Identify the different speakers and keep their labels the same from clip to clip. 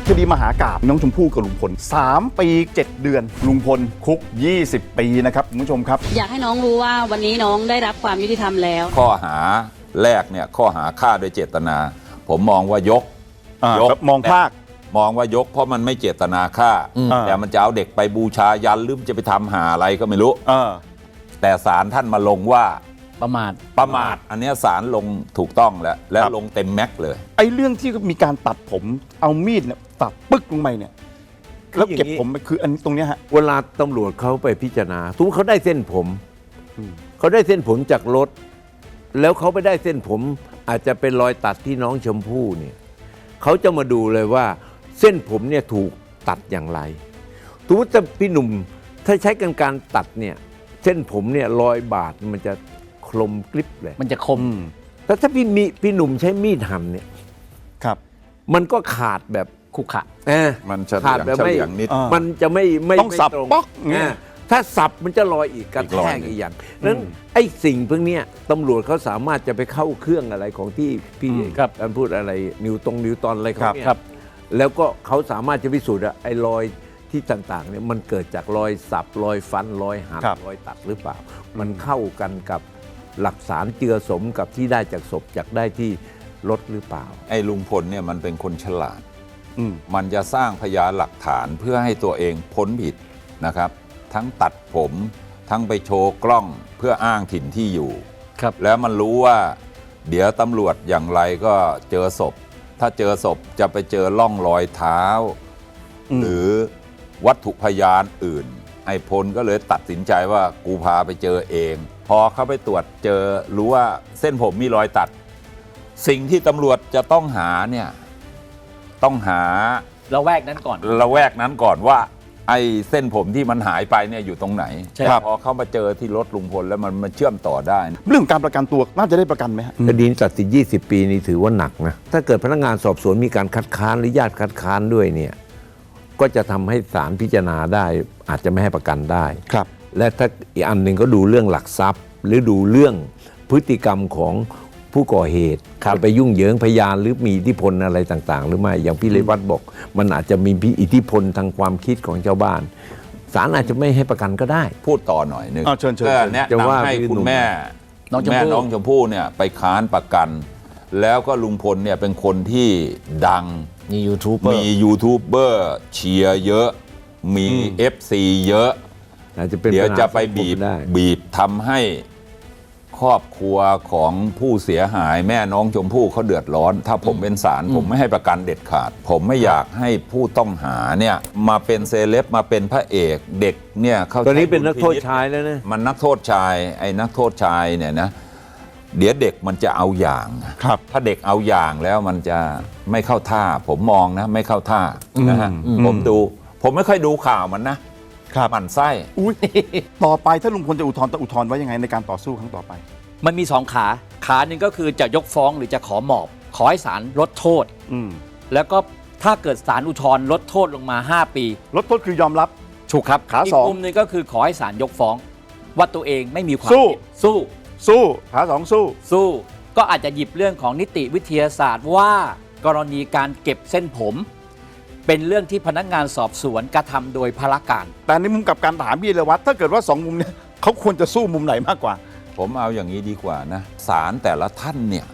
Speaker 1: คดีมหากาพย์น้องชมพู่กับลุงพล3 ปี 7 เดือนลุงพลคุก20 ปีนะครับคุณผู้ชมครับ
Speaker 2: อยากให้น้องรู้ว่าวันนี้น้องได้รับความยุติธรรมแล้ว
Speaker 3: ข้อหาแรกเนี่ยข้อหาฆ่าโดยเจตนา ผมมองว่ายก
Speaker 1: มองภาค
Speaker 3: มองว่ายกเพราะมันไม่เจตนาฆ่าแต่มันจะเอาเด็กไปบูชายันหรือจะไปทำหาอะไรก็ไม่รู้แต่ศาลท่านมาลงว่า
Speaker 4: ประมาท
Speaker 3: อันนี้ศาลลงถูกต้องแล้วลงเต็มแม็กเลย
Speaker 1: ไอ้เรื่องที่มีการตัดผมเอามีดเนี่ยตัดปึ๊กลงไปเนี่ยแล้วเก็บผมคืออันตรงนี้ฮะ
Speaker 5: เวลาตำรวจเขาไปพิจารณาสมมติเขาได้เส้นผมเขาได้เส้นผมจากรถแล้วเขาไปได้เส้นผมอาจจะเป็นรอยตัดที่น้องชมพู่เนี่ยเขาจะมาดูเลยว่าเส้นผมเนี่ยถูกตัดอย่างไรสมมติพี่หนุ่มถ้าใช้การตัดเนี่ยเส้นผมเนี่ยรอยบาดมันจะคมกริบเลย
Speaker 4: มันจะคม
Speaker 5: แต่ถ้าพี่หนุ่มใช้มีดหั่นเนี่ย
Speaker 1: ครับ
Speaker 5: มันก็ขาดแบบ
Speaker 4: ขุขะ
Speaker 3: มัน
Speaker 5: ขาดแบบไม่
Speaker 3: นิด
Speaker 5: มันจะไม่
Speaker 1: ต้องสับป๊อก
Speaker 5: เนี่ยถ้าสับมันจะลอยอีกกระแทกอีกอย่างนั้นไอ้สิ่งพวกนี้ตำรวจเขาสามารถจะไปเข้าเครื่องอะไรของที่พี่การพูดอะไรนิวตอนอะไรเขาเนี่ยแล้วก็เขาสามารถจะพิสูจน์ไอ้รอยที่ต่างๆเนี่ยมันเกิดจากรอยสับรอยฟันรอยหั่นรอยตัดหรือเปล่ามันเข้ากันกับหลักฐานเจือสมกับที่ได้จากศพจากได้ที่รถหรือเปล่า
Speaker 3: ไอ้ลุงพลเนี่ยมันเป็นคนฉลาดมันจะสร้างพยานหลักฐานเพื่อให้ตัวเองพ้นผิดนะครับทั้งตัดผมทั้งไปโชว์กล้องเพื่ออ้างถิ่นที่อยู่แล้วมันรู้ว่าเดี๋ยวตำรวจอย่างไรก็เจอศพถ้าเจอศพจะไปเจอร่องรอยเท้าหรือวัตถุพยานอื่นไอ้พลก็เลยตัดสินใจว่ากูพาไปเจอเองพอเขาไปตรวจเจอรู้ว่าเส้นผมมีรอยตัดสิ่งที่ตำรวจจะต้องหาเนี่ยต้องหา
Speaker 4: ละแวกนั้นก่อน
Speaker 3: ว่าไอ้เส้นผมที่มันหายไปเนี่ยอยู่ตรงไหนพอเขามาเจอที่รถลุงพลแล้วมันเชื่อมต่อได้
Speaker 1: เรื่องการประกันตัวน่าจะได้ประกันไหมฮะ
Speaker 5: คดีตัดสิน20 ปีนี่ถือว่าหนักนะถ้าเกิดพนักงานสอบสวนมีการคัดค้านหรือญาติคัดค้านด้วยเนี่ยก็จะทำให้ศาลพิจารณาได้อาจจะไม่ให้ประกันได้
Speaker 1: ครับ
Speaker 5: และถ้าอีกอันหนึ่งก็ดูเรื่องหลักทรัพย์หรือดูเรื่องพฤติกรรมของผู้ก่อเหตุจะไปยุ่งเหยิงพยานหรือมีอิทธิพลอะไรต่างๆหรือไม่อย่างพี่เลวัตบอกมันอาจจะมีอิทธิพลทางความคิดของชาวบ้านศาลอาจจะไม่ให้ประกันก็ได้
Speaker 3: พูดต่อหน่อยนึง
Speaker 1: เชิญ
Speaker 3: แนะนำให้คุณแม่น้องชมพู่เนี่ยไปค้านประกันแล้วก็ลุงพลเนี่ยเป็นคนที่ดัง
Speaker 4: มียูทูบ
Speaker 3: เบอร์เชียร์เยอะมี FC เยอะเดี๋ยวจะไปบีบทำให้ครอบครัวของผู้เสียหายแม่น้องชมพู่เขาเดือดร้อนถ้าผมเป็นศาลผมไม่ให้ประกันเด็ดขาดผมไม่อยากให้ผู้ต้องหาเนี่ยมาเป็นเซเลบมาเป็นพระเอกเด็กเนี่ยเขา
Speaker 5: ตอนนี้เป็นนักโทษชายแล้วนะ
Speaker 3: มันนักโทษชายไอ้นักโทษชายเนี่ยนะเดี๋ยวเด็กมันจะเอาอย่างถ้าเด็กเอาอย่างแล้วมันจะไม่เข้าท่าผมมองนะไม่เข้าท่านะฮะผมไม่ค่อยดูข่าวมันนะหมั่นไส้
Speaker 1: ต่อไปถ้าลุงพลจะอุทธรณ์ไว้ยังไงในการต่อสู้ครั้งต่อไป
Speaker 4: มันมี2 ขาหนึ่งก็คือจะยกฟ้องหรือจะขอหมอบขอให้ศาลลดโทษแล้วก็ถ้าเกิดศาลอุทธรณ์ลดโทษลงมา5 ปี
Speaker 1: ลดโทษคือยอมรับ
Speaker 4: ถูกครับ
Speaker 1: ขา2
Speaker 4: อีกมุมนึงก็คือขอให้ศาลยกฟ้องว่าตัวเองไม่มีความ
Speaker 1: ผิด
Speaker 4: สู้
Speaker 1: ขา2สู้
Speaker 4: ก็อาจจะหยิบเรื่องของนิติวิทยาศาสตร์ว่ากรณีการเก็บเส้นผมเป็นเรื่องที่พนักงานสอบสวนกระทำโดยพลการ
Speaker 1: แต่ในมุมกับการถามพี่เลวัตถ้าเกิดว่า2 มุมเนี่ยเขาควรจะสู้มุมไหนมากกว่า
Speaker 3: ผมเอาอย่างนี้ดีกว่านะศาลแต่ละท่านเนี่ย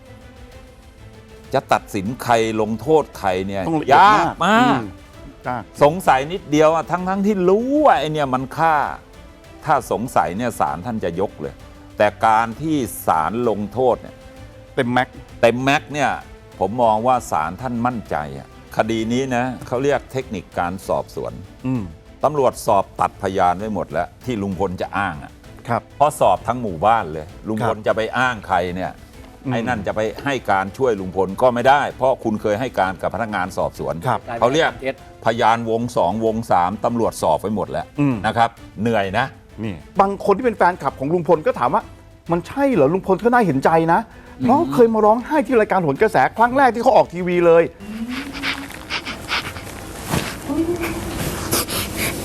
Speaker 3: จะตัดสินใครลงโทษใครเนี่ยยากมากสงสัยนิดเดียวทั้งที่รู้ว่าไอเนี่ยมันฆ่าถ้าสงสัยเนี่ยศาลท่านจะยกเลยแต่การที่ศาลลงโทษเนี่ย
Speaker 1: เต็มแม็ก
Speaker 3: เนี่ยผมมองว่าศาลท่านมั่นใจคดีนี้นะเขาเรียกเทคนิคการสอบสวนตำรวจสอบตัดพยานไว้หมดแล้วที่ลุงพลจะอ้างเพราะสอบทั้งหมู่บ้านเลยลุงพลจะไปอ้างใครเนี่ยไอ้นั่นจะไปให้การช่วยลุงพลก็ไม่ได้เพราะคุณเคยให้การกับพนักงานสอบสวนเขาเรียกพยานวง2วง3ตำรวจสอบไปหมดแล้วนะครับเหนื่อยนะ
Speaker 1: นี่บางคนที่เป็นแฟนคลับของลุงพลก็ถามว่ามันใช่เหรอลุงพลก็น่าเห็นใจนะเพราะเคยมาร้องไห้ที่รายการโหนกระแสครั้งแรกที่เขาออกทีวีเลย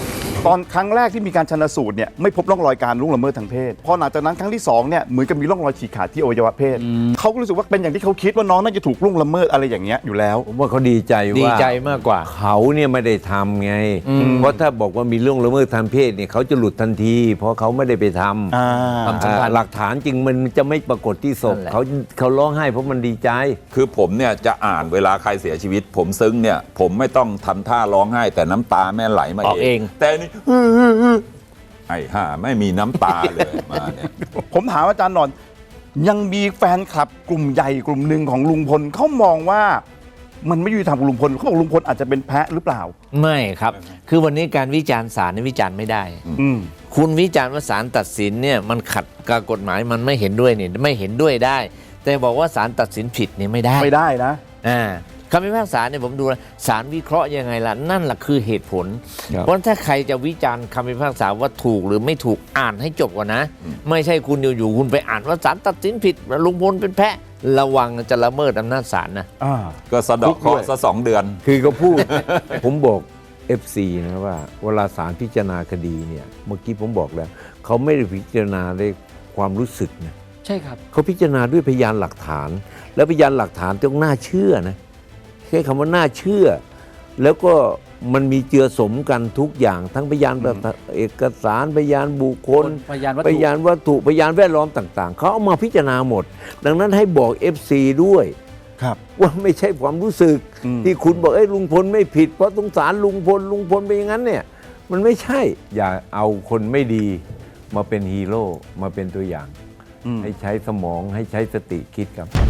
Speaker 1: ตอนครั้งแรกที่มีการชันสูตรเนี่ยไม่พบร่องรอยการล่วงละเมิดทางเพศพอหลังจากนั้นครั้งที่2เนี่ยเหมือนกับมีร่องรอยฉีกขาดที่อวัยวะเพศเขาก็รู้สึกว่าเป็นอย่างที่เขาคิดว่าน้องน่าจะถูกล่วงละเมิดอะไรอย่างเงี้ยอยู่แล้ว
Speaker 5: ผมว่าเขาดีใจว่า
Speaker 6: ดีใจมากกว่า
Speaker 5: เขาเนี่ยไม่ได้ทำไง เพราะถ้าบอกว่ามีเรื่องละเมิดทางเพศเนี่ยเขาจะหลุดทันที เพราะเขาไม่ได้ไปทำ
Speaker 6: ความสัมพันธ์
Speaker 5: หลักฐานจริงมันจะไม่ปรากฏที่ศพ
Speaker 6: นั่นแหละ
Speaker 5: เขาร้องไห้เพราะมันดีใจ
Speaker 3: คือผมเนี่ยจะอ่านเวลาใครเสียชีวิต ผมซึ้งเนี่ยผมไม่ต้องทำท่าร้องไห้แต่น้ำตาแม่ไหลมา
Speaker 6: ออกเอง
Speaker 3: แต่นี่ไอ้ห่าไม่มีน้ำตาเลยมาเนี่ย
Speaker 1: ผมถามอาจารย์หนอนยังมีแฟนคลับกลุ่มใหญ่กลุ่มหนึ่งของลุงพลเขามองว่ามันไม่ยุติธรรมกับลุงพลเขาบอกลุงพลอาจจะเป็นแพะหรือเปล่า
Speaker 6: ไม่ครับ คือวันนี้การวิจารณ์ศาลเนี่ยวิจารณ์ไม่ได้
Speaker 1: อืม
Speaker 6: คุณวิจารณ์ว่าศาลตัดสินเนี่ยมันขัดกับกฎหมายมันไม่เห็นด้วยเนี่ยไม่เห็นด้วยได้ แต่บอกว่าศาลตัดสินผิดเนี่ยไม่ได้
Speaker 1: ไม่ได้นะ
Speaker 6: คำพิพากษาเนี่ยผมดูนะศาลวิเคราะห์ยังไงล่ะนั่นแหละคือเหตุผล
Speaker 5: ครับ
Speaker 6: เพราะถ้าใครจะวิจารณ์คำพิพากษาว่าถูกหรือไม่ถูกอ่านให้จบก่อนนะ ไม่ใช่คุณอยู่ๆคุณไปอ่านว่าศาลตัดสินผิดลุงพลเป็นแพะระวังจะละเมิดอำนาจศาลนะ
Speaker 3: ก็สะเดอกเคราะห์ซะ2 เดือน
Speaker 5: คือเขาพูด ผมบอก FC นะว่าเวลาศาลพิจารณาคดีเนี่ยเมื่อกี้ผมบอกแล้วเขาไม่ได้พิจารณาด้วยความรู้สึกนะ
Speaker 4: ใช่ครับ
Speaker 5: เขาพิจารณาด้วยพยานหลักฐาน แล้วพยานหลักฐานต้องน่าเชื่อนะใช้คำว่าน่าเชื่อ แล้วก็มันมีเจือสมกันทุกอย่าง ทั้งพยานเอกสารพยานบุคคล
Speaker 4: พยานวัตถุ
Speaker 5: พยานวัตถุพยานแวดล้อมต่าง ๆเขาเอามาพิจารณาหมด ดังนั้นให้บอก FC ด้วย
Speaker 1: ครับ
Speaker 5: ว่าไม่ใช่ความรู้สึก ที่คุณบอกลุงพลไม่ผิดเพราะสงสารลุงพลเป็นอย่างนั้นเนี่ยมันไม่ใช่ อย่าเอาคนไม่ดีมาเป็นฮีโร่มาเป็นตัวอย่าง ให้ใช้สมองให้ใช้สติคิดครับ